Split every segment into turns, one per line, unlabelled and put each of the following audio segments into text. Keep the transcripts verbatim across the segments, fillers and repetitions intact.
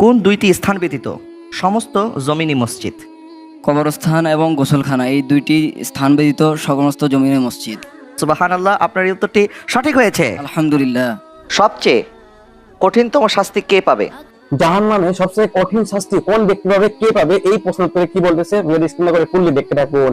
কোন দুইটি স্থান ব্যতীত সমস্ত জমিনি মসজিদ?
কবরস্থান এবং গোসলখানা, এই দুইটি স্থান ব্যতীত সমস্ত জমিনের মসজিদ।
সুবহানাল্লাহ, আপনার এই উত্তরটি সঠিক হয়েছে।
আলহামদুলিল্লাহ।
সবচেয়ে কঠিনতম শাস্তি কে পাবে?
জাহান্নামে সবচেয়ে কঠিন শাস্তি কোন ব্যক্তি পাবে, কে পাবে? এই প্রশ্ন উত্তরে কি বলতেছে ভিডিও স্ক্রিনে করে ফুললি দেখতে থাকুন।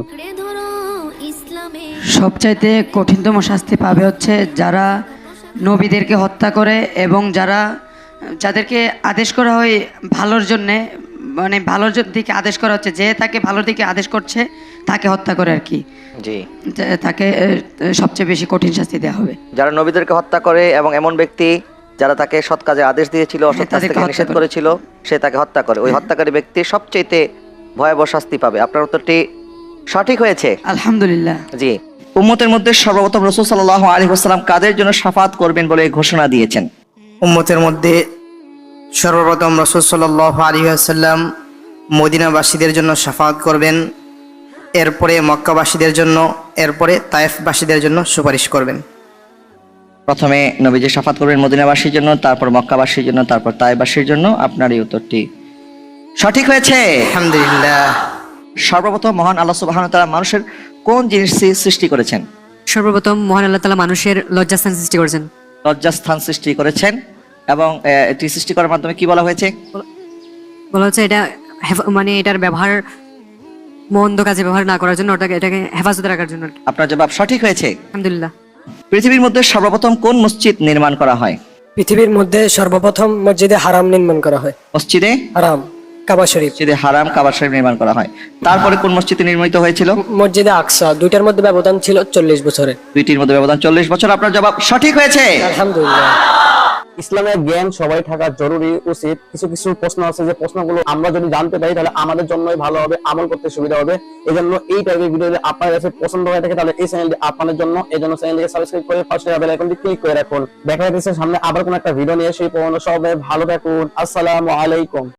সবচাইতে কঠিনতম শাস্তি পাবে হচ্ছে যারা নবীদেরকে হত্যা করে এবং যারা যাদেরকে আদেশ করা হয় ভালোর জন্যে, মানে ভালোর জ- দিকে আদেশ করা হচ্ছে, যে তাকে ভালোর দিকে আদেশ করছে তাকে হত্যা করে আর কি,
জি,
তা- তাকে আহ, সবচেয়ে বেশি কঠিন শাস্তি দেওয়া হবে।
যারা নবীদেরকে হত্যা করে এবং এমন ব্যক্তি যারা তাকে সৎ কাজে আদেশ দিয়েছিল, অসৎ কাজ
তাদেরকে
থেকে
হত্যা
নিষেধ
করে।
করেছিল, সে তাকে হত্যা করে, ওই হত্যাকারী ব্যক্তি সবচেয়ে ভয়াবহ শাস্তি পাবে। আপনার উত্তরটি সঠিক হয়েছে।
আলহামদুলিল্লাহ।
জি। উম্মতের মধ্যে সর্বপ্রথম রাসূল সাল্লাল্লাহু আলাইহি ওয়াসাল্লাম কাদের জন্য শাফাআত করবেন বলে ঘোষণা দিয়েছেন?
উম্মতের মধ্যে সর্বপ্রথম রাসূল সাল্লাল্লাহু আলাইহি ওয়াসাল্লাম মদিনাবাসীদের জন্য শাফাআত করবেন, এরপরে মক্কাবাসীদের জন্য, এরপরে তায়েফবাসীদের জন্য সুপারিশ করবেন।
প্রথমে নবীজি শাফাত করবেন মদিনাবাসীর জন্য, তারপর মক্কাবাসীর জন্য, তারপর তায়েফবাসীর জন্য। আপনার এই উত্তরটি সঠিক হয়েছে।
আলহামদুলিল্লাহ।
সর্বপ্রথম মহান আল্লাহ সুবহানাহু ওয়া তাআলা মানুষের কোন জিনিস সৃষ্টি করেছেন?
সর্বপ্রথম মহান আল্লাহ তাআলা মানুষের লজ্জাস্থান সৃষ্টি করেছেন।
লজ্জাস্থান সৃষ্টি করেছেন এবং আহ, এটি সৃষ্টি করার মাধ্যমে কি বলা হয়েছে?
বলা হচ্ছে এটা হেফ- মানে এটার ব্যবহার মন্দ কাজে ব্যবহার না করার জন্য, ওটাকে এটাকে হেফাজতে রাখার জন্য।
আপনার জবাব সঠিক হয়েছে।
আলহামদুলিল্লাহ।
পৃথিবীর মধ্যে সর্বপ্রথম কোন মসজিদ নির্মাণ করা হয়?
পৃথিবীর মধ্যে সর্বপ্রথম মসজিদে হারাম নির্মাণ করা হয়।
মসজিদে
হারাম কাবা শরীফ।
মসজিদে হারাম কাবা শরীফ নির্মাণ করা হয়। তারপরে কোন মসজিদে নির্মিত হয়েছিল?
মসজিদে আকসা। দুইটার মধ্যে ব্যবধান ছিল চল্লিশ বছরের।
দুইটির মধ্যে ব্যবধান চল্লিশ বছর। আপনার জবাব সঠিক হয়েছে।
আলহামদুলিল্লাহ।
ইসলামের জ্ঞান সবাই থাকা জরুরি উচিত। কিছু কিছু প্রশ্ন আছে যে প্রশ্নগুলো আমরা যদি জানতে পারি তাহলে আমাদের জন্যই ভালো হবে, আমল করতে সুবিধা হবে। এই জন্য এই টাইপের ভিডিও যদি আপনার কাছে পছন্দ হয়ে থাকে তাহলে এই চ্যানেলটি আপনাদের জন্য। এই জন্য চ্যানেলটিকে সাবস্ক্রাইব করে পাশে বেল আইকনটি ক্লিক করে রাখুন। দেখা যাচ্ছে সামনে আবার কোন একটা ভিডিও নিয়ে, সেই পর্যন্ত সবাই ভালো থাকুন। আসসালামু আলাইকুম।